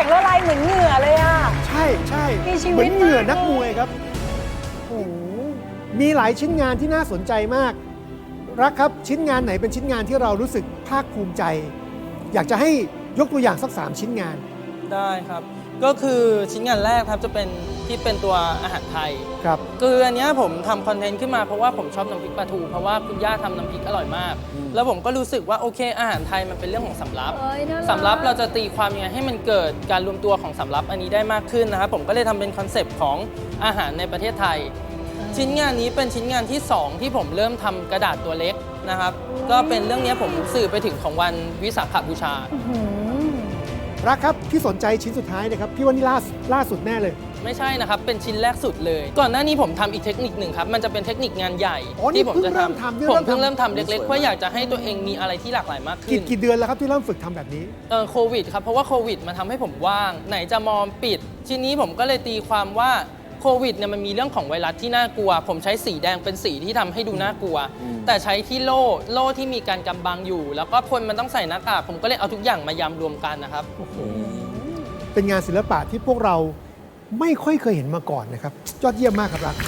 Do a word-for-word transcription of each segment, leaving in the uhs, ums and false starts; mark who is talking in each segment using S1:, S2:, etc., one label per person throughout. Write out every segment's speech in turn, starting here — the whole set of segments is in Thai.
S1: งละลายเหมือนเหงื่อเลยอ่ะ
S2: ใช่ใช่
S1: มีชีวิต
S2: เหมือนเหงื่อ
S1: มาก
S2: นักมวยครับโอ้โหมีหลายชิ้นงานที่น่าสนใจมาก รักครับชิ้นงานไหนเป็นชิ้นงานที่เรารู้สึกภาคภูมิใจ อยากจะให้ยกตัวอย่างสักสามชิ้นงาน
S3: ได้ครับ ก็คือชิ้นงานแรกครับจะเป็นที่เป็นตัวอาหารไทย
S2: ครับ
S3: คืออันเนี้ยผมทำคอนเทนต์ขึ้นมาเพราะว่าผมชอบน้ำพริกปลาทูเพราะว่าคุณย่าทำน้ำพริกอร่อยมาก แล้วผมก็รู้สึกว่าโอเคอาหารไทยมันเป็นเรื่องของสำรับ
S1: เอ้ยน่ารัก
S3: สำรับเราจะตีความยังไงให้มันเกิดการรวมตัวของสำรับอันนี้ได้มากขึ้นนะครับผมก็เลยทำเป็นคอนเซปต์ของอาหารในประเทศไทย ชิ้นงานนี้เป็นชิ้นงานที่สองที่ผมเริ่มทำกระดาษตัวเล็กนะครับก็เป็นเรื่องนี้ผมสื่อไปถึงของวันวิสาขบูชา
S1: อื้อหือ
S2: รักครับที่สนใจชิ้นสุดท้ายนะครับพี่ว่านี่ล่าล่าสุดแน่เลย
S3: ไม่ใช่นะครับ เป็นชิ้นแรกสุดเลย ก่อนหน้านี้ผมทำอีกเทคนิคหนึ่งครับ มันจะเป็นเทคนิคงานใหญ่
S2: อ๋อนี่
S3: ที่ผม
S2: เพิ่ง
S3: จะ
S2: เริ่ม
S3: ทำ
S2: ทำนี่
S3: ผม
S2: เริ่ม
S3: เพิ่ง
S2: ทำ
S3: เริ่มทำเล็กๆ เพื่ออยากจะให้ตัวเองมีอะไรที่หลากหลายมากขึ้
S2: กี่
S3: น
S2: กี่เดือนแล้วครับที่เริ่มฝึกทำแบบนี้
S3: เออโควิดครับ เพราะว่าโควิดมันทำให้ผมว่าง ไหนจะมอมปิด ทีนี้ผมก็เลยตีความว่าโควิดเนี่ยมันมีเรื่องของไวรัสที่น่ากลัว ผมใช้สีแดงเป็นสีที่ทำให้ดูน่ากลัว แต่ใช้ที่โล่โล่ที่มีการกำบังอยู่ แล้วก็คนมันต้องใส่หน้ากากผมก็เลยเอาทุกอย่างมายำรวมกันนะครับ
S2: เป็นงานศิลปะที่พวกเราไม่ค่อยเคยเห็นมาก่อนนะครับยอดเยี่ยมมากครับรัก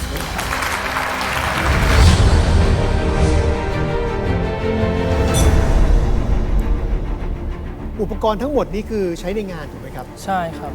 S2: อุปกรณ์ทั้งหมดนี้คือใช้ในงานถูกไหมครับ
S3: ใช่ครับ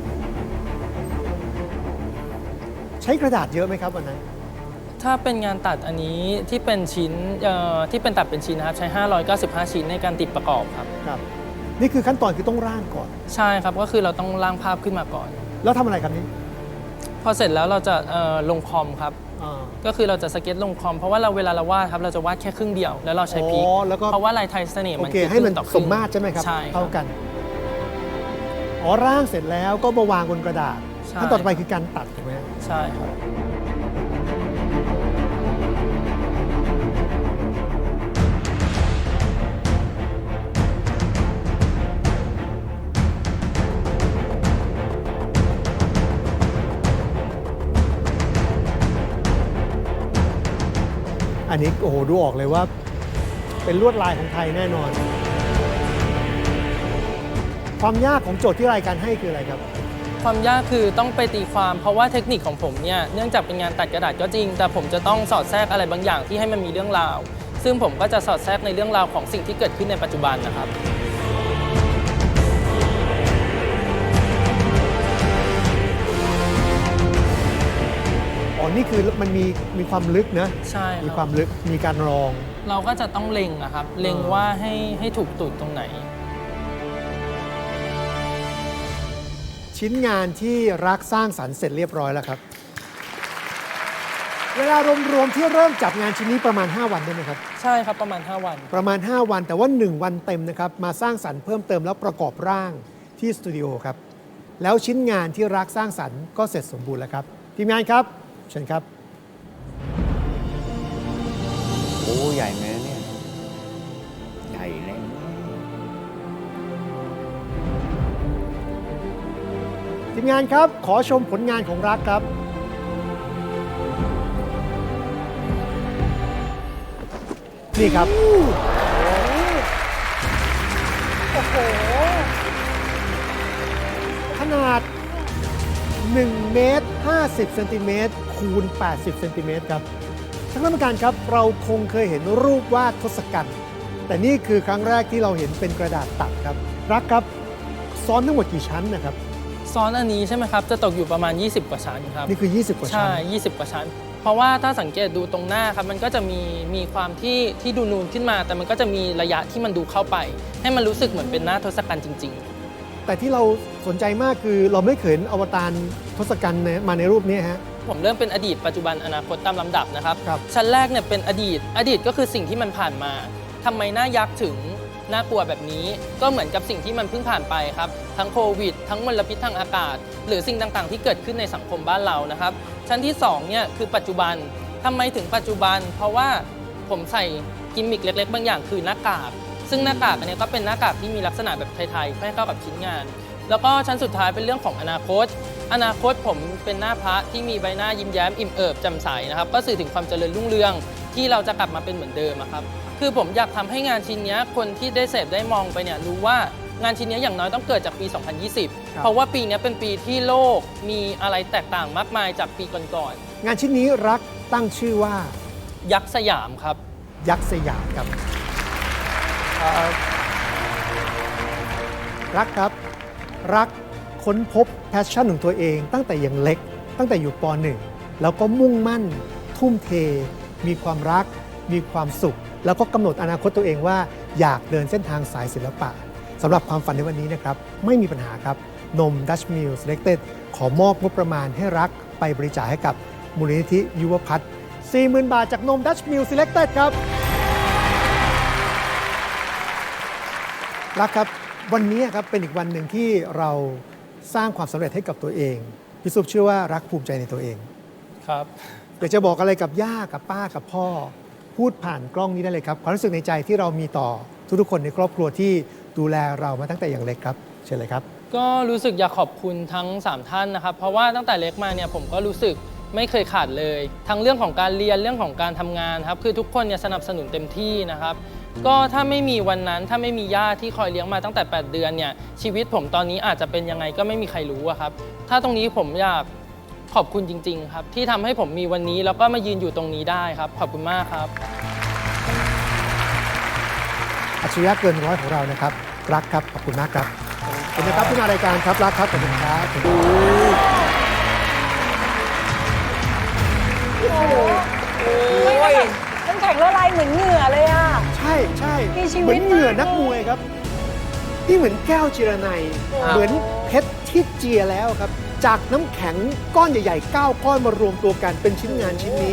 S2: ใช้กระดาษเยอะไหมครับวันนั้น
S3: ถ้าเป็นงานตัดอันนี้ที่เป็นชิ้นเอ่อที่เป็นตัดเป็นชิ้นนะครับใช้ห้าร้อยเก้าสิบห้าชิ้นในการติดประกอบครับ
S2: ครับ นี่คือขั้นตอนคือต้องร่างก่อน
S3: ใช่ครับก็คือเราต้องร่างภาพขึ้นมาก่อน
S2: แล้วทำอะไรครับนี่
S3: พอเสร็จแล้วเราจะเอ่อลงคอมครับ
S2: อ่า
S3: ก็คือเราจะสเก็ตลงคอมเพราะว่าเราเวลาเราวาดครับเราจะวาดแค่ครึ่งเดียวแล้วเราใช้พลิก
S2: อ๋อแล้วก็
S3: เพราะว่าลายไทยเสน่ห์
S2: โอ
S3: มัน
S2: เค
S3: คือ
S2: ให้มัน
S3: ครึ่งต่อค
S2: ส
S3: รึ่ง
S2: มมาตรใช่ไหมครับ
S3: ใช่
S2: เท่ากัน อ๋อร่างเสร็จแล้วก็มาวางบนกระดาษ
S3: ใช่
S2: ขั้นตอนต่อไปคือการตัดถูกไหมครับ
S3: ใช่ครับ
S2: อันนี้โอ้โหดูออกเลยว่า เป็นลวดลายของไทยแน่นอน ความยากของโจทย์ที่รายการให้คืออะไรครับ
S3: ความยากคือต้องไปตีความ เพราะว่าเทคนิคของผมเนี่ยเนื่องจากเป็นงานตัดกระดาษก็จริง แต่ผมจะต้องสอดแทรกอะไรบางอย่างที่ให้มันมีเรื่องราว ซึ่งผมก็จะสอดแทรกในเรื่องราวของสิ่งที่เกิดขึ้นในปัจจุบันนะครับ
S2: อ๋อ นี่คือมันมีมีความลึกนะ
S3: ใช่ครับ
S2: มีความลึก มีการรอง
S3: เราก็จะต้องเล็งอะครับ เล็งว่าให้ให้ถูกจุดตรงไหน
S2: ชิ้นงานที่รักสร้างสรรค์เสร็จเรียบร้อยแล้วครับ เวลารวมๆที่เริ่มจับงานชิ้นนี้ประมาณ ห้า วันได้ไหมครับ
S3: ใช่ครับประมาณ ห้า วัน
S2: ประมาณ ห้า วันแต่ว่า หนึ่ง วันเต็มนะครับ มาสร้างสรรค์เพิ่มเติมแล้วประกอบร่างที่สตูดิโอครับ แล้วชิ้นงานที่รักสร้างสรรค์ก็เสร็จสมบูรณ์แล้วครับ ทีมงานครับ เชิญครับ
S4: โอ้ใหญ่ไหมเนี่ย ใหญ่เลย
S2: ทีมงานครับ ขอชมผลงานของรักครับ นี่ครับ
S1: โอ้โห
S2: ขนาดหนึ่งเมตรห้าสิบเซนติเมตรคูณแปดสิบเซนติเมตรครับท่านกรรมการครับ เราคงเคยเห็นรูปวาดทศกัณฐ์แต่นี่คือครั้งแรกที่เราเห็นเป็นกระดาษตัดครับ รักครับ ซ้อนทั้งหมดกี่ชั้นนะครับ
S3: ซ้อนอันนี้ใช่ไหมครับ จะตกอยู่ประมาณ ยี่สิบ กว่าชั้นครับ
S2: นี่คือ ยี่สิบ กว่าชั้น
S3: ใช่ ยี่สิบ กว่าชั้น เพราะว่าถ้าสังเกตดูตรงหน้าครับ มันก็จะมีมีความที่ที่ดูนูนขึ้นมา แต่มันก็จะมีระยะที่มันดูเข้าไป ให้มันรู้สึกเหมือนเป็นหน้าทศกัณฐ์จริง
S2: แต่ที่เราสนใจมากคือเราไม่เคยเห็นอวตารทศกัณฐ์มาในรูปนี้ฮะ
S3: ๆ ผมเริ่มเป็นอดีตปัจจุบันอนาคตตามลำดับนะครับ
S2: ครับ
S3: ชั้นแรกเนี่ยเป็นอดีต อดีตก็คือสิ่งที่มันผ่านมาทำไมหน้ายักษ์ถึงน่ากลัวแบบนี้ ก็เหมือนกับสิ่งที่มันเพิ่งผ่านไปครับ ทั้งโควิด ทั้งมลพิษทางอากาศ หรือสิ่งต่างๆ ที่เกิดขึ้นในสังคมบ้านเรานะครับ ชั้นที่สองเนี่ยคือปัจจุบันทำไมถึงปัจจุบัน เพราะว่าผมใส่กิมมิคเล็กๆ บางอย่างคือหน้ากาก ซึ่งหน้ากากอันนี้ก็เป็นหน้ากากที่มีลักษณะแบบไทยๆให้เข้ากับชิ้นงาน แล้วก็ชั้นสุดท้ายเป็นเรื่องของอนาคต อนาคตผมเป็นหน้าพระที่มีใบหน้ายิ้มแย้มอิ่มเอิบแจ่มใสนะครับ ก็สื่อถึงความเจริญรุ่งเรืองที่เราจะกลับมาเป็นเหมือนเดิมอะครับ คือผมอยากทำให้งานชิ้นนี้คนที่ได้เสพได้มองไปเนี่ยรู้ว่างานชิ้นนี้อย่างน้อยต้องเกิดจากปี สองพันยี่สิบ
S2: ครับ
S3: เพราะว่าปีนี้เป็นปีที่โลกมีอะไรแตกต่างมากมายจากปีก่อน
S2: งานชิ้นนี้รักตั้งชื่อว่า
S3: ๆยักษ์สยามครับ
S2: ยักษ์สยามครับเอ่อรักครับรักค้นพบแพชชั่นของตัวเองตั้งแต่ยังเล็ก ตั้งแต่อยู่ป หนึ่ง แล้วก็มุ่งมั่น ทุ่มเท มีความรัก มีความสุข แล้วก็กำหนดอนาคตตัวเองว่าอยากเดินเส้นทางสายศิลปะสำหรับความฝันในวันนี้นะครับ ไม่มีปัญหาครับ นม Dutch Mill Selected ขอมอบงบประมาณให้รักไปบริจาคให้กับมูลนิธิยุวพัฒน์ สี่หมื่น บาทจากนม Dutch Mill Selected ครับรักครับ วันนี้ครับเป็นอีกวันหนึ่งที่เราสร้างความสำเร็จให้กับตัวเองพี่ซุปเชื่อว่ารักภูมิใจในตัวเอง
S3: ครับ
S2: อยากจะบอกอะไรกับย่ากับป้ากับพ่อ พูดผ่านกล้องนี้ได้เลยครับความรู้สึกในใจที่เรามีต่อทุกๆคนในครอบครัวที่ดูแลเรามาตั้งแต่อย่างเล็กครับเชิญเลยครับ
S3: ก็รู้สึกอยากขอบคุณทั้งสามท่านนะครับ เพราะว่าตั้งแต่เล็กมาเนี่ยผมก็รู้สึกไม่เคยขาดเลย ทั้งเรื่องของการเรียนเรื่องของการทำงานครับคือทุกคนเนี่ยสนับสนุนเต็มที่นะครับ ก็ถ้าไม่มีวันนั้นถ้าไม่มีย่าที่คอยเลี้ยงมาตั้งแต่แปดเดือนเนี่ยชีวิตผมตอนนี้อาจจะเป็นยังไงก็ไม่มีใครรู้อะครับถ้าตรงนี้ผมอยากขอบคุณจริงๆครับที่ทำให้ผมมีวันนี้แล้วก็มายืนอยู่ตรงนี้ได้ครับขอบคุณมากครับ
S2: อัจฉริยะเกินร้อยของเรานะครับรักครับขอบคุณมากครับขอบคุณนะครับที่มารายการครับรักครับขอบคุณครับ
S1: น้ำแข็งละลายเหมือนเหงื่อเลยอ่ะ
S2: ใช่ใช่
S1: มีชีวิต
S2: เหมือนเหงื่อ
S1: มาก
S2: นักมวยครับนี่เหมือนแก้วจิรนัย
S3: ครับ
S2: เหมือนเพชรที่เจียแล้วครับ จากน้ำแข็งก้อนใหญ่ๆเก้าก้อนมารวมตัวกันเป็นชิ้นงานชิ้นนี้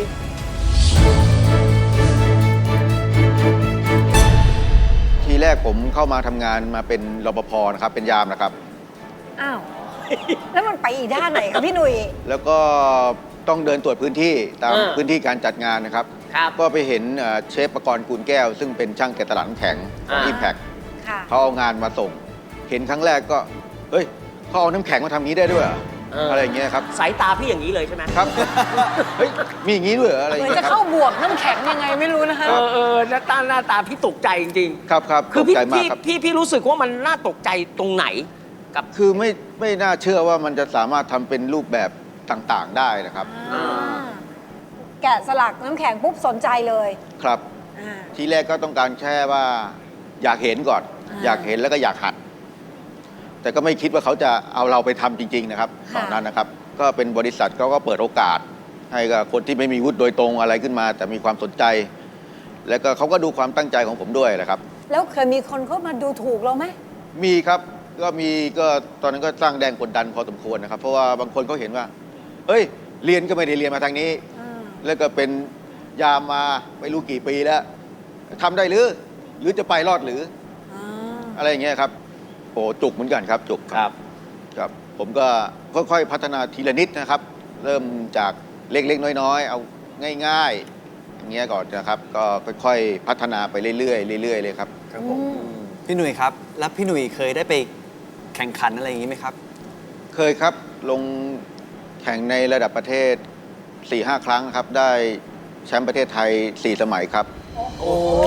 S5: ทีแรกผมเข้ามาทำงานมาเป็นรปภนะครับเป็นยามนะครับ
S1: อ้าว แล้วมันไปอีกด้านไหนครับพี่หนุ่ย
S5: แล้วก็ต้องเดินตรวจพื้นที่ตาม
S6: อ่า
S5: พื้นที่การจัดงานนะครับ
S6: ครับ
S5: ก็ไปเห็นเอ่อเชฟประกรณ์กูลแก้ว ซึ่งเป็นช่างแกะตลาดน้ำแข็งของ
S6: อ่า
S5: อิมแพค
S1: ค่ะ
S5: เขาเอางานมาส่ง เห็นครั้งแรกก็เฮ้ยเขาเอาน้ำแข็งมาทำงี้ได้ด้วยเหรอ
S6: เอออ
S5: อะไรอย่างเงี้ยครับ
S6: สายตาพี่อย่างนี้เลยใช่ไหม
S5: ครับ เฮ้ยมีอย่างงี้ด้วยเหรออะไรอ
S1: เห
S5: ย่าง
S1: มือน
S5: เงี้
S1: จะ
S5: ยค
S1: เข้า
S5: รับบ
S1: วกน้ำแข็งยังไงไม่รู้นะคะ
S6: เออเออหน้าตาหน้าตาพี่ตกใจจริง
S5: ครับครับ
S6: ๆ คือ
S5: ตก
S6: พี่
S5: ใจมาก
S6: พี่
S5: ครับ
S6: พี่พี่รู้สึกว่ามันน่าตกใจตรงไหนกับ
S5: คือไม่ไม่น่าเชื่อว่ามันจะสามารถทำเป็นรูปแบบต่างๆได้นะครับ
S1: อ่าแกะสลักน้ำแข็งปุ๊บสนใจเลย
S5: ครับ
S1: อ่า
S5: ทีแรกก็ต้องการแค่ว่าอยากเห็นก่อน
S1: อ่า
S5: อยากเห็นแล้วก็อยากหัด แต่ก็ไม่คิดว่าเขาจะเอาเราไปทำจริง ๆ นะครับ
S1: ค่ะ
S5: ตอนนั้นนะครับ ก็เป็นบริษัทเขาก็เปิดโอกาส ให้กับคนที่ไม่มีวุฒิโดยตรงอะไรขึ้นมา แต่มีความสนใจ แล้วก็เขาก็ดูความตั้งใจของผมด้วยนะครับ
S1: แล้วเคยมีคนเข้ามาดูถูกเราไหม
S5: มีครับก็มีก็ตอนนั้นก็สร้างแรงกดดันพอสมควรนะครับ เพราะว่าบางคนเขาเห็นว่าเฮ้ยเรียนก็ไม่ได้เรียนมาทางนี้
S1: อ่า
S5: แล้วก็เป็นยามมาไม่รู้กี่ปีแล้วทำได้หรือ หรือจะไปรอดหรือ
S1: อ่า
S5: อะไรอย่างเงี้ยครับโอ้จุกเหมือนกันครับ จุก
S6: ครับ
S5: ครับ ผมก็ค่อยๆ พัฒนาทีละนิดนะครับ เริ่มจากเล็กๆ น้อยๆ เอาง่ายๆ อย่างเงี้ยก่อนนะครับ ก็ค่อยๆ พัฒนาไปเรื่อยๆ เรื่อยๆ เลยครับ
S7: ครับผมพี่หนุ่ยครับ แล้วพี่หนุ่ยเคยได้ไปแข่งขันอะไรอย่างนี้ไหมครับ
S5: เคยครับลงแข่งในระดับประเทศ สี่ห้า ครั้งครับ ได้แชมป์ประเทศไทย สี่ สมัยครับ
S6: โอ้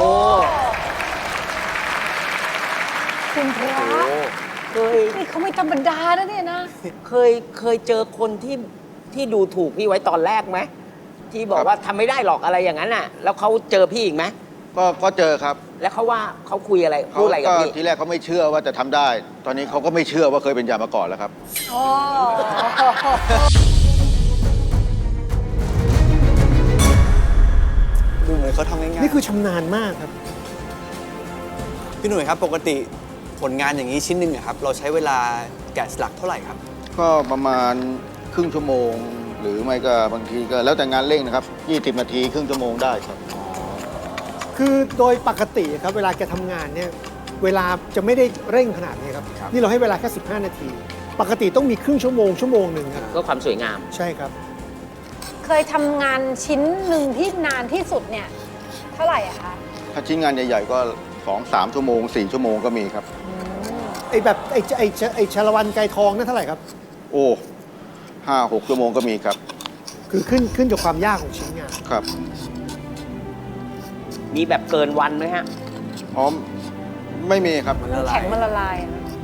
S1: คุณพระ
S6: เคย
S1: นี่เขาไม่ธรรมดานะเนี่ยนะ
S6: เคยเคยเจอคนที่ที่ดูถูกพี่ไว้ตอนแรกไหมที่บอ
S5: ค
S6: ก
S5: รับ
S6: ว่าทำไม่ได้หรอกอะไรอย่างนั้นน่ะ แล้วเขาเจอพี่อีกไหม
S5: ก็ก็เจอครับ
S6: แล้วเขาว่าเขาคุยอะไร
S5: เขา
S6: พูดอะไรกับ
S5: ก็
S6: พี่
S5: ทีแรกเขาไม่เชื่อว่าจะทำได้ ตอนนี้เขาก็ไม่เชื่อว่าเคยเป็นยามมาก่อนแล้วครับ
S1: โอ้
S7: ดูเหมือนเขาทำง่ายๆ
S2: นี่คือชำนาญมากครับ
S7: พี่หนุ่ยครับ ปกติผลงานอย่างนี้ชิ้นหนึ่งอะครับ เราใช้เวลาแกะสลักเท่าไหร่ครับ
S5: ก็ประมาณครึ่งชั่วโมง หรือไม่ก็บางทีก็แล้วแต่งานเร่งนะครับ ยี่สิบ นาทีครึ่งชั่วโมงได้ครับ
S2: คือโดยปกติครับเวลาแกทำงานเนี่ยเวลาจะไม่ได้เร่งขนาดนี้ครับ
S7: ครับ
S2: นี่เราให้เวลาแค่สิบห้า นาที ปกติต้องมีครึ่งชั่วโมงชั่วโมงหนึ่งครับ
S6: ก็ความสวยงาม
S2: ใช่ครับ
S1: เคยทำงานชิ้นหนึ่งที่นานที่สุดเนี่ย เท่าไหร่อะคะ
S5: ถ้าชิ้นงานใหญ่ๆก็สองสามชั่วโมงสี่ชั่วโมงก็มีครับ
S2: ไอ้แบบไอ้ไอ้ไอ้ชาละวันไกรทองนั่นเท่าไหร่ครับ
S5: โอ้ห้าหกชั่วโมงก็มีครับ
S2: คือขึ้นขึ้นกับความยากของชิ้นงาน
S5: ครับ
S6: มีแบบเกินวันไหมฮะ
S5: อ๋อไม่มีครับ
S7: มันละลา
S1: แข็
S7: ย
S1: งมันละลายอะนะ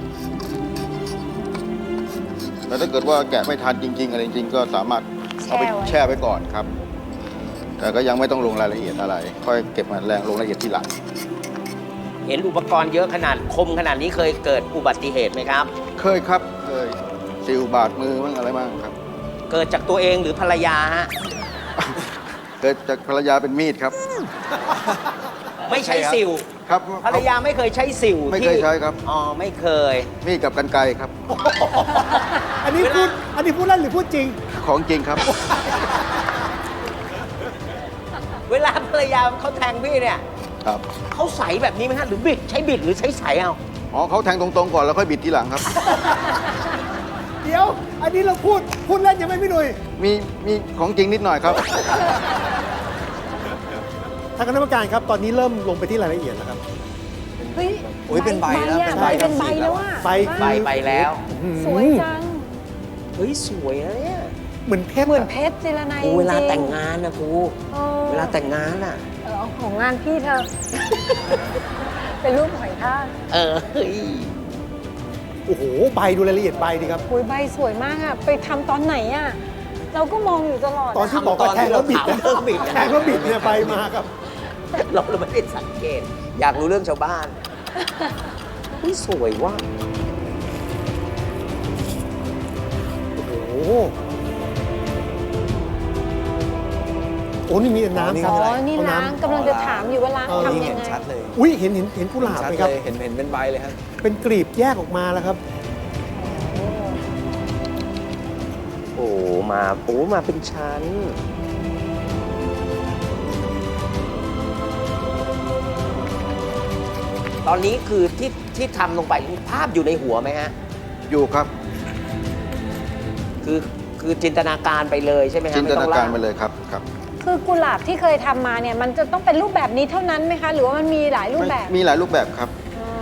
S5: แต่ถ้าเกิดว่าแกะไม่ทันจริง ๆ อะไรจริง ๆ ก็สามารถเอาไป
S1: แช่ไว้
S5: แช่ไว้ก่อนครับ แต่ก็ยังไม่ต้องลงรายละเอียดอะไร ค่อยเก็บมาแรงลงรายละเอียดทีหลัง
S6: เห็นอุปกรณ์เยอะขนาดคมขนาดนี้เคยเกิดอุบัติเหตุไหมครับ
S5: เคยครับ เคยซิลบาดมือบ้างอะไรบ้างครับ
S6: เกิดจากตัวเองหรือภรรยาฮะ
S5: เกิดจากภรรยาเป็นมีดครับ
S6: ไม่ใช้สิว
S5: ครับ
S6: ภรรยาไม่เคยใช้สิว
S5: ไม่
S6: ที่
S5: เคยใช้ครับ
S6: อ๋อไม่เคย
S5: มีดกับกรรไกรครับ
S2: อันนี้พูดอันนี้พูดเล่นหรือพูดจริง
S5: ของจริงครับ
S6: เวลาภรรยาเขาแทงพี่เนี่ย
S5: ครับ
S6: เขาใสแบบนี้ไหมฮะหรือบิดใช้บิดหรือใช้ใสเอา
S5: อ๋อเขาแทงตรงๆก่อนแล้วค่อยบิดทีหลังครับ
S2: เดี๋ยว อันนี้เราพูดพูดเล่นยังไม่พี่หนุ่ย
S5: มีมีของจริงนิดหน่อยครับ
S2: ทางคณะกรรมการครับ ตอนนี้เริ่มลงไปที่รายละเอียดแล้วครับ
S1: เฮ้ย
S7: โอ้ยเป็นใบแล้ว
S1: อะ
S7: เป็น
S1: ใบ
S7: ใบ
S1: เป็นใบ
S7: สีแล้
S1: แล้ว
S7: ว
S1: อ่ะ
S2: ใบ
S6: ใบไปแล้ว
S1: สวยจัง
S6: เฮ้ยสวยนะเนี่ย
S2: เหมือนเพชร
S1: เหมือน
S2: อะ
S1: เพชรเจรไน
S6: กูเวลา
S1: จริๆ
S6: แต่งงานนะกู
S1: เออ
S6: เวลาแต่งงานอ่ะ
S1: เออเอาของงานพี่เธอ เป็นรูปหอยทาก
S6: เออเฮ้ย
S2: โอ้โห ใบดูรายละเอียดใบดีครับ
S1: โอ้ยใบสวยมากอ่ะ ไปทำตอนไหนอ่ะ เราก็มองอยู่ตลอด
S2: ตอนที่บอก
S6: ต
S2: ว่า
S6: อน
S2: แท
S6: ที่
S2: งแล้วบิด
S6: เราถามเรื่องบิด
S2: แทงแล้วบิดเนี่ยใบมาครับ
S6: เราเราไม่ได้สังเกต อยากรู้เรื่องชาวบ้านเฮ้ยสวยว่ะ
S2: โอ้โห โอ้นี่มีแต่น้ำครับ
S1: อ๋อ นี่
S2: เอา
S1: ล้างกำลังจะถามอยู่ว่าล้าง
S2: เออ
S1: ทำ
S7: นี่
S1: ยั
S7: เห็
S1: ง
S7: น
S1: ไง
S7: ชัดเลย
S2: อุ้ยเห็นเห็นเห็นกุหลาบ
S7: ชัด
S2: ไหมค
S7: เล
S2: รับ
S7: ยเห็นเห็นเป็นใบเลยครับ
S2: เป็นกลีบแยกออกมาแล้วครับ
S6: โอ้มาโอ้มาเป็นชั้น ตอนนี้คือที่ที่ทำลงไปภาพอยู่ในหัวไหมฮะ
S5: อยู่ครับ
S6: คือคือจินตนาการไปเลยใช่ไหมฮะ
S5: จินตนาการไป
S6: ม่ต้อง
S5: เลยครับครับ
S1: คือกุหลาบที่เคยทำมาเนี่ย มันจะต้องเป็นรูปแบบนี้เท่านั้นไหมคะ หรือว่ามันมีหลายรูปแบบ
S5: มีหลายรูปแบบครับ
S1: อ๋อ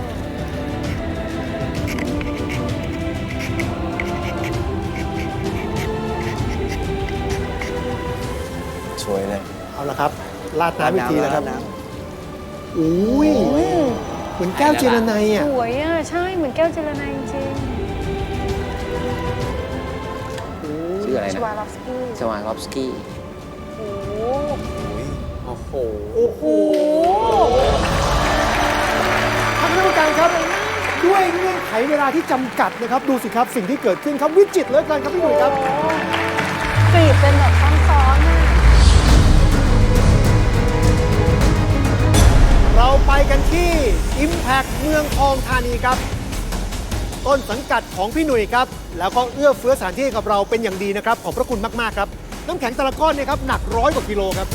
S7: สวยเลย
S2: เอาละครับ ลาดน้ำอีกทีแล้วครับ
S7: น้
S2: อุ้ย เหมือนแก้วเจรไนอ่ะ
S1: สวยอ่ะ ใช่ เหมือนแก้วเจรไนจริง
S6: ชื่ออะไร
S1: ๆช
S6: นะ
S1: วาลอฟสกี้
S6: สวานลอฟสกี้
S1: โอ้โห
S7: โอ้โห
S2: โอ้โหท่านคณะกรรมการครับ ด้วยเงื่อนไขเวลาที่จำกัดนะครับ ดูสิครับสิ่งที่เกิดขึ้นครับวิจิตรเหลือเกินครับพี่หนุ่ยครับ
S1: กรีบเป็นแบบซ้อนๆอ่ะ
S2: เราไปกันที่ Impact เมืองทองธานีครับ ต้นสังกัดของพี่หนุ่ยครับ แล้วก็เอื้อเฟื้อสถานที่กับเราเป็นอย่างดีนะครับ ขอบพระคุณมาก ๆ ครับ น้ำแข็งแต่ละก้อนเนี่ยครับหนักร้อยกว่ากิโลครับ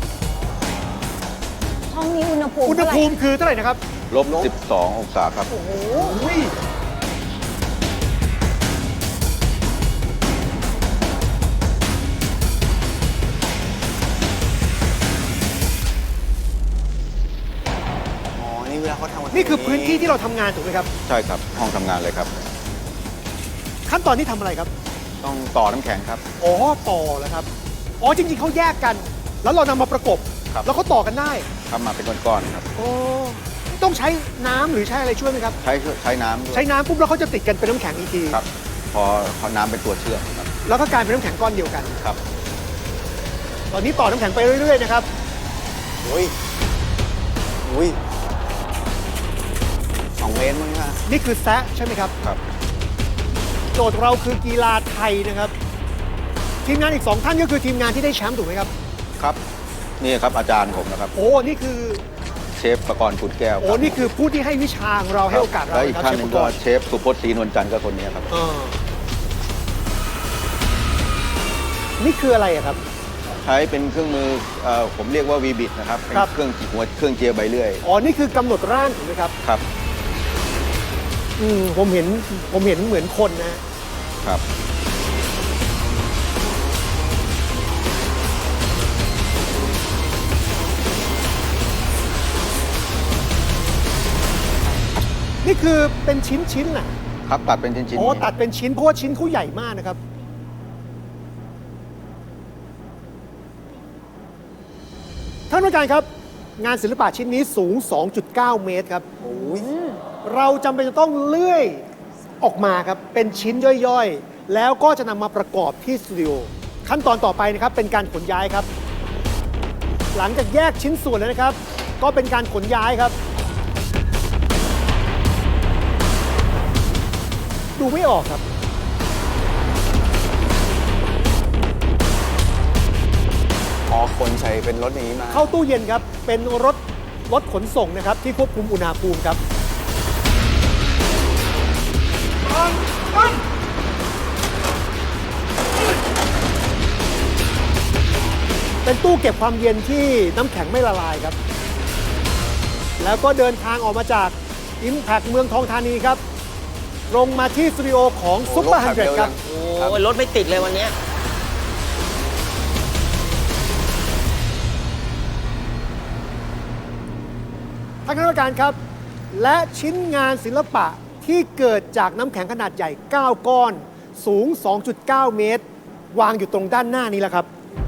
S1: ห้องนี้อุณหภูมิ
S2: อุณห
S1: เท่าไหร่
S2: ภูมิคือเท่าไหร่นะครับ
S5: ลบ สิบสอง องศาครับ
S1: โอ้โห
S2: อุ้ย
S7: อ๋อ นี่เวลาเขาทำกั
S2: นี่คือพื้นที่ที่เราทำงานถูกไหมครับ
S5: ใช่ครับ ห้องทำงานเลยครับ
S2: ขั้นตอนที่ทำอะไรครับ
S5: ต้องต่อน้ำแข็งครับ
S2: อ๋อ ต่อแล้วครับ อ๋อ จริง ๆเขาแยกกัน แล้วเรานำมาประกบ
S5: ครับ
S2: แล้วเขาต่อกันได้
S5: ทำมาเป็นก้อนๆครับ
S2: โอ้ต้องใช้น้ำหรือใช้อะไรช่วยไหมครับ
S5: ใช้ใช้น้ำด้วย
S2: ใช้น้ำปุ๊บแล้วเขาจะติดกันเป็นน้ำแข็งอีกที
S5: ครับ พอพอน้ำเป็นตัวเชื่อมครับ
S2: แล้วก็กลายเป็นน้ำแข็งก้อนเดียวกัน
S5: ครับ
S2: ตอนนี้ต่อน้ำแข็งไปเรื่อย ๆ นะครับ
S7: โอ้ยอุ้ยสองเมตรมั้งค่ะ
S2: นี่คือแซะใช่ไหมครับ
S5: ครับ
S2: โจทย์เราคือกีฬาไทยนะครับ ทีมงานอีกสองท่านก็คือทีมงานที่ได้แชมป์ถูกไหมครับ
S5: ครับ นี่ครับอาจารย์ผมนะครับ
S2: โอ้ นี่คือ
S5: เชฟประกรณ์ขุนแก้ว
S2: โอ้ นี่คือผู้ที่ให้วิชาของเราให้โอกาสเรา
S5: และอีก
S2: ครับ
S5: ท่าน
S2: เช
S5: ห
S2: ฟ
S5: นึ่
S2: อุ
S5: ง
S2: ก
S5: ก็
S2: รณ์
S5: เชฟสุพจน์ศรีนวลจันทร์ก็คนนี้ครับ
S2: เออนี่คืออะไรอะครับ
S5: ใช้เป็นเครื่องมือเอ่อผมเรียกว่าวีบิดนะครับ เป็น
S2: ครับ
S5: เครื่องจีหัวเครื่องเจียร์ใบเลื่อย
S2: อ๋อ นี่คือกำหนดร่างถูกไหมครับ
S5: ครับ
S2: อืม ผมเห็น ผมเห็นเหมือนคนนะ
S5: ครับ
S2: นี่คือเป็นชิ้นชิ้นๆน่ะ
S5: ครับตัดเป็นชิ้นๆ
S2: อ๋อ
S5: นี้
S2: ตัดเป็นชิ้นเพราะว่าชิ้นเขาใหญ่มากนะครับ ท่านผู้การครับ งานศิลปะชิ้นนี้สูง สองจุดเก้า เมตรครับ เราจำเป็นจะต้องเลื่อยออกมาครับเป็นชิ้นย่อยๆ แล้วก็จะนำมาประกอบที่สตูดิโอขั้นตอนต่อไปนะครับเป็นการขนย้ายครับ หลังจากแยกชิ้นส่วนแล้วนะครับ ก็เป็นการขนย้ายครับ ดูไม่ออกครับ
S7: อ๋อขนใส่เป็นรถอย่างนี้มา
S2: เข้าตู้เย็นครับ เป็นรถรถขนส่งนะครับที่ควบคุมอุณหภูมิครับ เป็นตู้เก็บความเย็นที่น้ำแข็งไม่ละลายครับ แล้วก็เดินทางออกมาจาก Impact เมืองทองธานีครับลงมาที่สตูดิโอของ
S7: โอ้
S2: ซุปเปอร์
S7: รถ
S2: ฮั
S7: ขั
S2: น
S7: บ
S2: เดร
S7: เร็ว
S2: ครับ
S7: จัง
S6: โอ้ยรถไม่ติดเลยวันเนี้ย
S2: ท่านคณะกรรมการครับ และชิ้นงานศิลปะที่เกิดจากน้ำแข็งขนาดใหญ่ เก้า ก้อน สูง สองจุดเก้า เมตร วางอยู่ตรงด้านหน้านี้แล้วครับ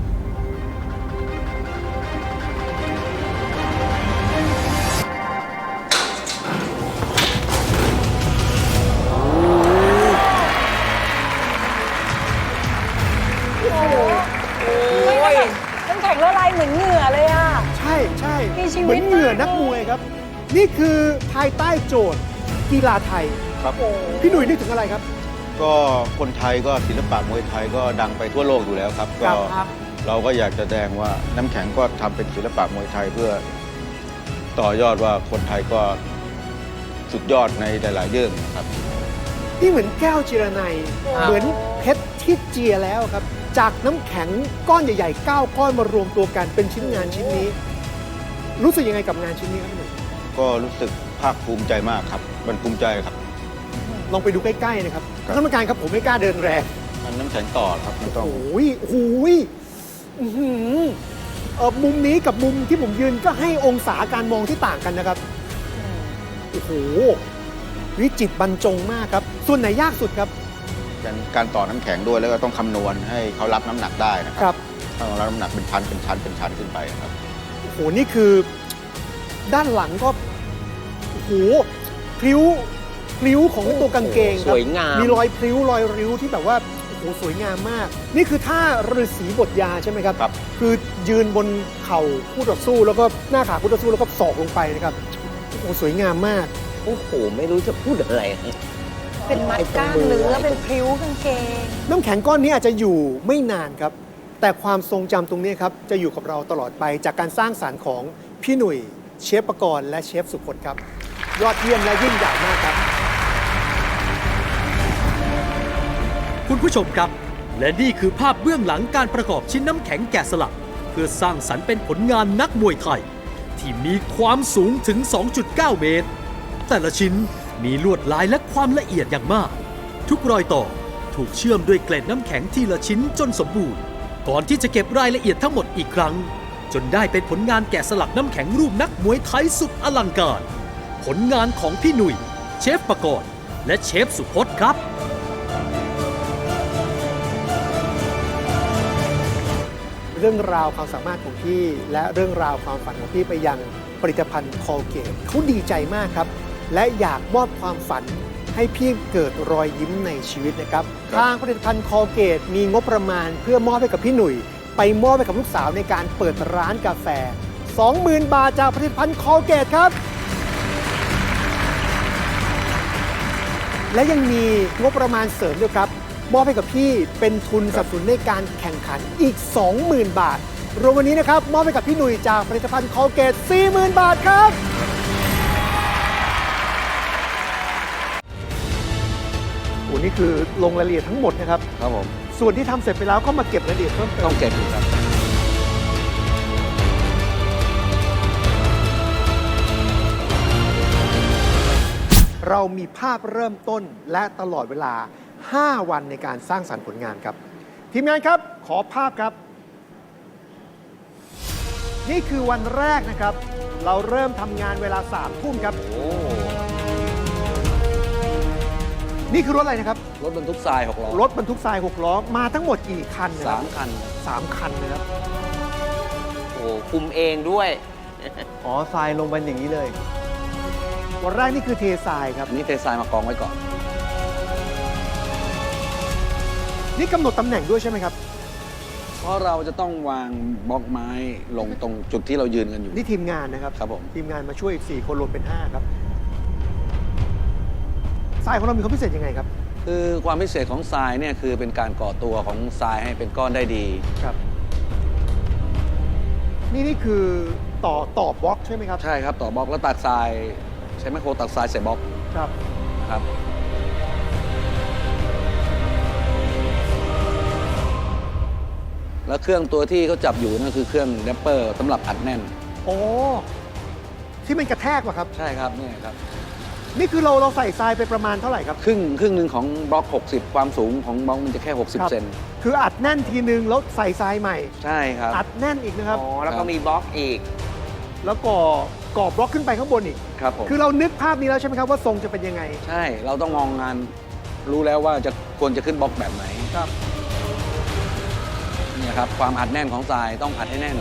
S1: น้ำแข็งละลายเหมือนเหงื่อเลยอ่ะ
S2: ใช่ใช่
S1: มีชีวิต
S2: เหมือนเหงื่อ
S1: มาก
S2: นักมวยครับ นี่คือภายใต้โจทย์กีฬาไทย
S5: ครับ
S2: พี่หนุ่ยนึกถึงอะไรครับ
S5: ก็คนไทยก็ศิลปะมวยไทยก็ดังไปทั่วโลกอยู่แล้วครับ
S2: ครั
S5: ก็
S2: บครับ
S5: เราก็อยากจะแสดงว่าน้ำแข็งก็ทำเป็นศิลปะมวยไทยเพื่อต่อยอดว่าคนไทยก็สุดยอดในหลายๆเรื่องนะครับ
S2: นี่เหมือนแก้วจิรนัย
S3: ครับ
S2: เหมือนเพชรที่เจียแล้วครับ จากน้ำแข็งก้อนใหญ่ๆ เก้า ก้อนมารวมตัวกันเป็นชิ้นงานชิ้นนี้ รู้สึกยังไงกับงานชิ้นนี้ครับพี่หนุ่ย
S5: ก็รู้สึกภาคภูมิใจมากครับ มันภูมิใจครับ
S2: ลองไปดูใกล้ๆนะครับ
S5: ครับ
S2: ท่านกรรมการครับผมไม่กล้าเดินแรง
S5: มันน้ำแข็งต่อครับไม่ต้อง
S2: โอ้ยโอ้โหยอื้อหือเออมุมนี้กับมุมที่ผมยืนก็ให้องศาการมองที่ต่างกันนะครับ โอ้โห วิจิตรบรรจงมากครับ ส่วนไหนยากสุดครับ
S5: การการต่อน้ำแข็งด้วยแล้วก็ต้องคำนวณให้เขารับน้ำหนักได้นะค
S2: ครั
S5: รับ ต้องรับน้ำหนักเป็นชั้นเป็นชั้นเป็นชั้นขึ้นไปครับ
S2: โอ้โห นี่คือด้านหลังก็ โอ้โห พริ้ว พริ้วของตัวกางเกงครับ
S6: สวยงาม
S2: มีรอยพริ้ว รอยริ้วที่แบบว่า โอ้โห สวยงามมาก นี่คือท่าฤาษีบทยาใช่ไหมครับ
S5: ครับ
S2: คือยืนบนเข่าคู่ต่อสู้ แล้วก็หน้าขาคู่ต่อสู้แล้วก็ศอกลงไปนะครับ โอ้โห สวยงามมาก
S6: โอ้โห ไม่รู้จะพูดอะไร
S1: เป็นมัดกล้ามเนื้อเป็นพริ้วกางเกง
S2: น้ำแข็งก้อนนี้อาจจะอยู่ไม่นานครับ แต่ความทรงจำตรงนี้ครับ จะอยู่กับเราตลอดไปจากการสร้างสารรค์ของพี่หนุ่ย เชฟประกรณ์และเชฟสุพจน์ครับ ยอดเยี่ยมและยิ่งใหญ่มากครับ
S8: คุณผู้ชมครับ และนี่คือภาพเบื้องหลังการประกอบชิ้นน้ำแข็งแกะสลัก เพื่อสร้างสรรค์เป็นผลงานนักมวยไทย ที่มีความสูงถึง สองจุดเก้า เมตร แต่ละชิ้นมีลวดลายและความละเอียดอย่างมาก ทุกรอยต่อถูกเชื่อมด้วยเกล็ดน้ำแข็งทีละชิ้นจนสมบูรณ์ ก่อนที่จะเก็บรายละเอียดทั้งหมดอีกครั้ง จนได้เป็นผลงานแกะสลักน้ำแข็งรูปนักมวยไทยสุดอลังการ ผลงานของพี่หนุ่ย เชฟประกรณ์และเชฟสุพจน์ครับ
S2: เรื่องราวความสามารถของพี่ และเรื่องราวความฝันของพี่ไปยังผลิตภัณฑ์คอลเกตเขาดีใจมากครับ และอยากมอบความฝันให้พี่เกิดรอยยิ้มในชีวิตนะครับ
S5: ครับ
S2: ทางผลิตภัณฑ์คอลเกตมีงบประมาณเพื่อมอบให้กับพี่หนุ่ย ไปมอบให้กับลูกสาวในการเปิดร้านกาแฟ สองหมื่น บาทจากผลิตภัณฑ์คอลเกตครับ และยังมีงบประมาณเสริมด้วยครับมอบให้กับพี่เป็นทุนสนับสนุนในการแข่งขันอีก สองหมื่น บาท รวมวันนี้นะครับมอบให้กับพี่หนุ่ยจากผลิตภัณฑ์คอลเกต สี่หมื่น บาทครับโอ้นี่คือลงรายละเอียดทั้งหมดนะครับ
S7: ครับผม
S2: ส่วนที่ทำเสร็จไปแล้วก็มาเก็บรายละเอียดเพิ่มเติ
S7: ต้อ
S2: ม
S7: งเก็บครับ
S2: เรามีภาพเริ่มต้นและตลอดเวลา ห้า วันในการสร้างสรรค์ผลงานครับ ทีมงานครับขอภาพครับ นี่คือวันแรกนะครับ เราเริ่มทำงานเวลาสามทุ่มครับ
S7: โอ้
S2: นี่คือรถอะไรนะครับ
S7: รถบรรทุกทรายหกล้อ
S2: รถบรรทุกทรายหกล้อมาทั้งหมดกี่คันนะค
S7: สา
S2: รับ
S7: มคัน
S2: สามคันนะครับ
S6: โอ้คุมเองด้วย
S7: อ๋อทรายลงไปอย่างนี้เลย
S2: วันแรกนี่คือเททรายครับ
S7: อันนี้เททรายมากองไว้ก่อน
S2: นี่กำหนดตำแหน่งด้วยใช่ไหมครับ
S9: เพราะเราจะต้องวางบล็อกไม้ลงตรงจุดที่เรายืนกันอยู่
S2: นี่ทีมงานนะครับ
S9: ครับผม
S2: ทีมงานมาช่วยอีกสี่คนรวมเป็นห้าครับทรายของเรามีความพิเศษยังไงครับ
S9: คือความพิเศษของทรายเนี่ยคือเป็นการก่อตัวของทรายให้เป็นก้อนได้ดี
S2: ครับ นี่นี่คือต่อต่อบล็อกใช่ไหมครับ
S9: ใช่ครับต่อบล็อกแล้วตักทรายใช้ไมโครตักทรายใส่บล็อก
S2: ครับ
S9: นะครับ แล้วเครื่องตัวที่เขาจับอยู่นั่นคือเครื่องแรปเปอร์สำหรับอัดแน่น
S2: โอ้ที่มันกระแทกว่ะครับ
S9: ใช่ครับเนี่ยครับ
S2: นี่คือเราเราใส่ทรายไปประมาณเท่าไหร่ครับ
S9: ครึ่งครึ่งหนึ่งของบล็อก หกสิบ ความสูงของบล็อกมันจะแค่
S2: ครับ
S9: 60 เซน
S2: คืออัดแน่นทีนึงแล้วใส่ทรายใหม่
S9: ใช่ครับ
S2: อัดแน่นอีกนะครับ
S6: อ๋อ แล้วก็มีบล็อกอีก
S2: แล้วก่อก่อบล็อกขึ้นไปข้างบนอีก
S9: ครับผม
S2: คือเรานึกภาพนี้แล้วใช่ไหมครับว่าทรงจะเป็นยังไง
S9: ใช่เราต้องมองงานรู้แล้วว่าจะควรจะขึ้นบล็อกแบบไหน
S2: ครับ
S9: เนี่ยครับความอัดแน่นของทรายต้องอัดให้แน่น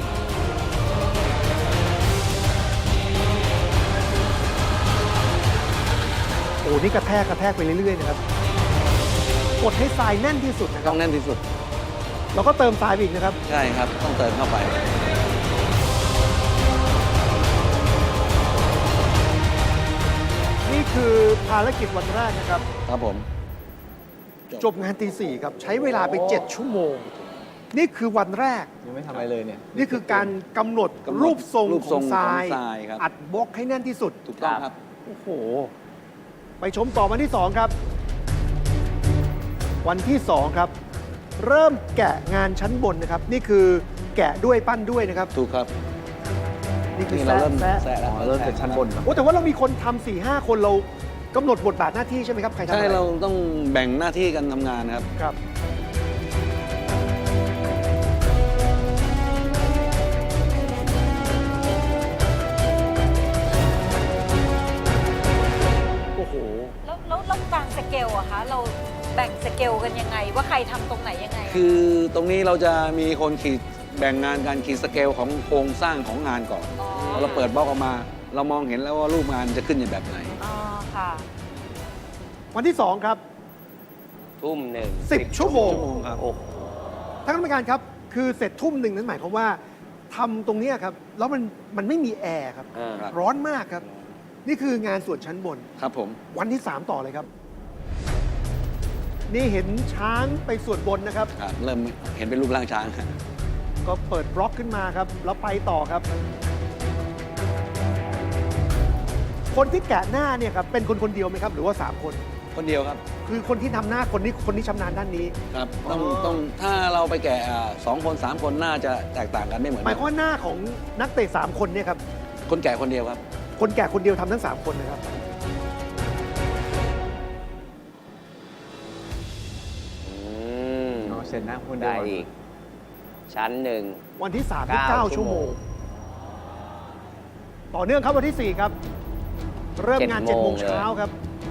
S2: โอ้นี่กระแทกกระแทกไปเรื่อยๆนะครับกดให้ทรายแน่นที่สุดนะค
S9: ต้
S2: รั
S9: อบ งแน่นที่สุด
S2: แล้วก็เติมทรายไปอีกนะครับ
S9: ใช่ครับต้องเติมเข้าไป
S2: นี่คือภารกิจวันแรกนะครับ
S9: ครับผม
S2: จบงานตีสี่ครับ ใช้เวลาไป เจ็ด ชั่วโมง นี่คือวันแรก
S4: ยังไม่ทำอะไรเลยเนี่ย
S2: นี่คือการกำหนด
S9: กำหนด
S2: รูปทรง
S9: รูป
S2: ข
S9: ทร
S2: อง งทราย
S9: ของทรายครับ
S2: อัดบล็อกให้แน่นที่สุด
S9: ถูกต้องครับ
S2: โอ้โห ไปชมต่อวันที่สองครับ วันที่สองครับ เริ่มแกะงานชั้นบนนะครับ นี่คือแกะด้วยปั้นด้วยนะครับ
S9: ถูกครับ
S2: นี่คือ
S9: นี่เรา
S2: แซะ
S9: เริ่ม
S2: แซะ
S9: แซะแล้ว
S4: อ๋อเริ่มจากชั้นบนก่อน
S2: โอ้แต่ว่าเรามีคนทำสี่ห้าคนเรากำหนดบทบาทหน้าที่ใช่ไหมครับ ใครทำอะ
S9: ใช่
S2: ไร
S9: เราต้องแบ่งหน้าที่กันทำงานครับ
S2: ครับ โอ้โห
S10: แล้วแล้วแล้วการสเกลอะคะ เราแบ่งสเกลกันยังไง ว่าใครทำตรงไหนยังไง
S9: คือตรงนี้เราจะมีคนขีดแบ่งงานการขีดสเกลของโครงสร้างของงานก่อน
S10: อ๋อ
S9: พอเราเปิดบล็อกออกมา เรามองเห็นแล้วว่ารูปงานจะขึ้นอย่างแบบไหน
S10: อ๋อค่ะ
S2: วันที่สองครับ
S6: ทุ่มหนึ่ง
S2: สิบชั่วโมง
S9: ชั่วโมงครับ
S6: โอ้โห
S2: ท่านกรรมการครับ คือเสร็จทุ่มหนึ่งนั้นหมายความว่าทำตรงเนี้ยครับ แล้วมันมันไม่มีแอร์ครับ
S6: อ่า
S9: ครับ
S2: ร้อนมากครับ นี่คืองานส่วนชั้นบน
S9: ครับผม
S2: วันที่สามต่อเลยครับ นี่เห็นช้างไปส่วนบนนะครับ
S9: ครับเริ่มเห็นเป็นรูปร่างช้าง
S2: ก็เปิดบล็อกขึ้นมาครับ แล้วไปต่อครับ คนที่แกะหน้าเนี่ยครับ เป็นคนคนเดียวไหมครับ หรือว่าสามคน
S9: คนเดียวครับ
S2: คือคนที่ทำหน้าคนนี้คนนี้ชำนาญด้านนี้
S9: ครับต้อง
S2: อ๋อ
S9: ต้องถ้าเราไปแกะอ่าสองคนสามคนน่าจะแตกต่างกันไม่เหมือน
S2: หมาย
S9: กั
S2: ความว่าหน้าของนักเตะสามคนเนี่ยครับ
S9: คนแก่คนเดียวครับ
S2: คนแก่คนเดียวทำทั้งสามคนนะครับ
S6: อืม
S4: อ๋อเสร็จนะคุณ
S6: ได้อีก ชั้นหนึ่ง
S2: วันที่สามที่
S6: เก้า
S2: เก้า
S6: ชั่
S2: ชั่
S6: ว
S2: ว
S6: โม
S2: โม
S6: ง
S2: ง ต่อเนื่องครับวันที่สี่ครับ เริ่มงาน
S6: เจ็
S2: เจ็ด
S6: ด
S2: โม
S6: โม
S2: ง
S6: ง
S2: เช้าครับ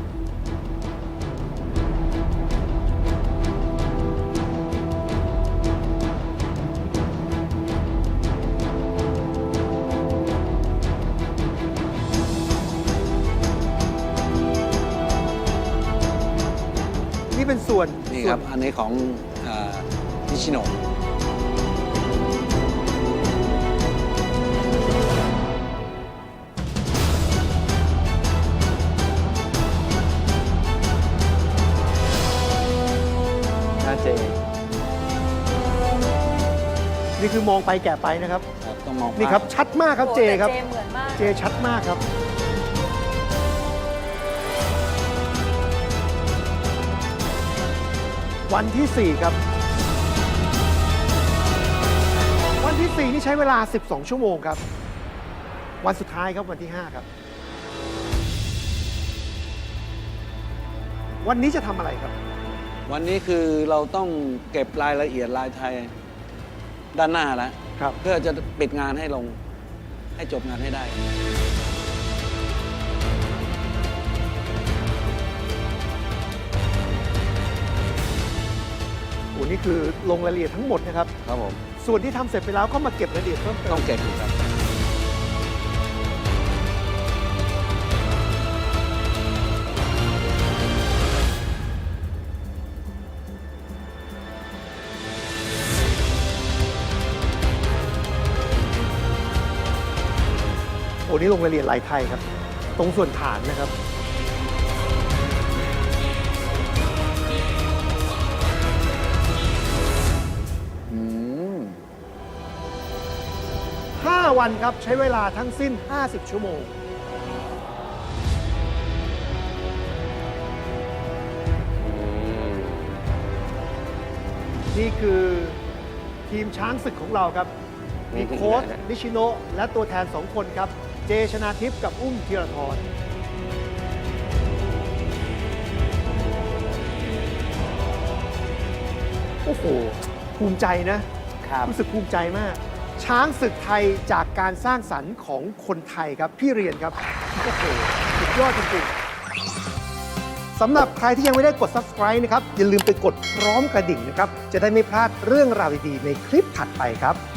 S2: นี่เป็นส่วน
S9: นี่
S2: ส่
S9: ค
S2: วน
S9: รับ อันนี้ของนิชิโนะ
S4: หน้าเจ
S2: นี่คือมองไปแกะไปนะครับ
S9: ครับต้องมอง
S2: นี่ครับ ชัดมากครับ
S10: โอ้
S2: เจ
S10: แต่
S2: ครับ
S10: เจเหมือนมาก
S2: เจชัดมากครับ วันที่สี่ครับ วันที่สี่นี่ใช้เวลา สิบสอง ชั่วโมงครับ วันสุดท้ายครับวันที่ห้าครับ วันนี้จะทำอะไรครับ
S9: วันนี้คือเราต้องเก็บรายละเอียดลายไทยด้านหน้าแล้ว
S2: ครับ
S9: เพื่อจะปิดงานให้ลงให้จบงานให้ได้
S2: โอ้นี่คือลงรายละเอียดทั้งหมดนะครับ
S9: ครับผม
S2: ส่วนที่ทำเสร็จไปแล้วก็มาเก็บรายละเอียดเพิ่มเติ
S9: ต้อ
S2: ม
S9: งเก็บอีกครับ
S2: นี้ลงรายละเอียดลายไทยครับ ตรงส่วนฐานนะครับ
S4: อืม
S2: ห้า วันครับ ใช้เวลาทั้งสิ้น ห้าสิบ ชั่วโมง นี่คือทีมช้างศึกของเราครับ มีโค้ชนิชิโนะและตัวแทนสองคนครับ เจชนาทิพย์กับอุ้มธีรทรโอ้โห ภูมิใจนะ
S6: ครับ
S2: รู้สึกภูมิใจมาก ช้างศึกไทยจากการสร้างสรรค์ของคนไทยครับ พี่เรียนครับ โอ้โห สุดยอดจริงๆสำหรับใครที่ยังไม่ได้กด Subscribe นะครับ อย่าลืมไปกดพร้อมกระดิ่งนะครับ จะได้ไม่พลาดเรื่องราวดีๆในคลิปถัดไปครับ